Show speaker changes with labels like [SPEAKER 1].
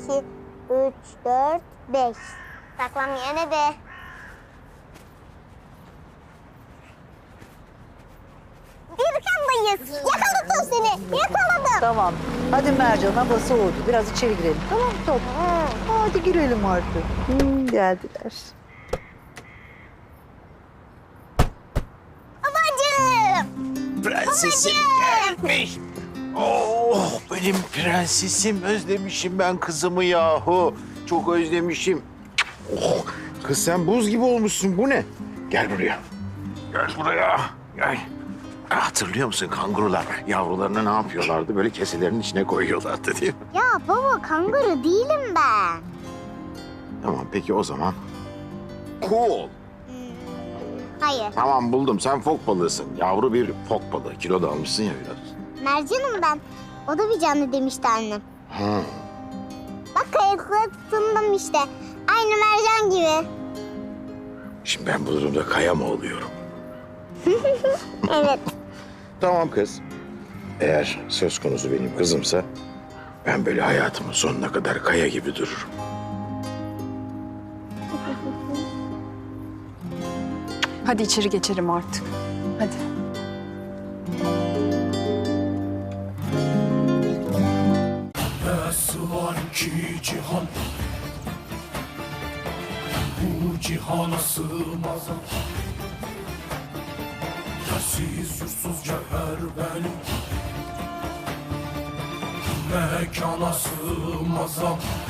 [SPEAKER 1] 2, 3, 4, 5. Saklam yerine de. Birkandayız. Yakaladım seni. Yakaladım.
[SPEAKER 2] Tamam. Hadi Mercan, hava soğudu. Biraz içeri girelim. Tamam mı top? Hadi girelim artık. Geldiler.
[SPEAKER 1] Babacığım.
[SPEAKER 3] Prensesim gelmiş. Oh, benim prensesim. Özlemişim ben kızımı yahu. Çok özlemişim. Oh, kız sen buz gibi olmuşsun. Bu ne? Gel buraya. Gel buraya. Gel. Hatırlıyor musun kangurular yavrularını ne yapıyorlardı? Böyle keselerin içine koyuyorlardı değil mi?
[SPEAKER 1] Ya baba kanguru değilim ben.
[SPEAKER 3] Tamam peki o zaman. Cool.
[SPEAKER 1] Hayır.
[SPEAKER 3] Tamam buldum. Sen fok balığısın. Yavru bir fok balığı. Kilo da almışsın ya biraz.
[SPEAKER 1] Mercan'ım ben. O da bir canlı demişti annem.
[SPEAKER 3] Ha.
[SPEAKER 1] Bak kayıkla tutundım işte. Aynı mercan gibi.
[SPEAKER 3] Şimdi ben bu durumda kaya mı oluyorum?
[SPEAKER 1] Evet.
[SPEAKER 3] Tamam kız. Eğer söz konusu benim kızımsa ben böyle hayatımın sonuna kadar kaya gibi dururum.
[SPEAKER 4] Hadi içeri geçelim artık. Hadi.
[SPEAKER 5] Nasıl var ki cihan, bu cihana sığmaz. Yersiz yursuz cevher benim, mekana sığmaz.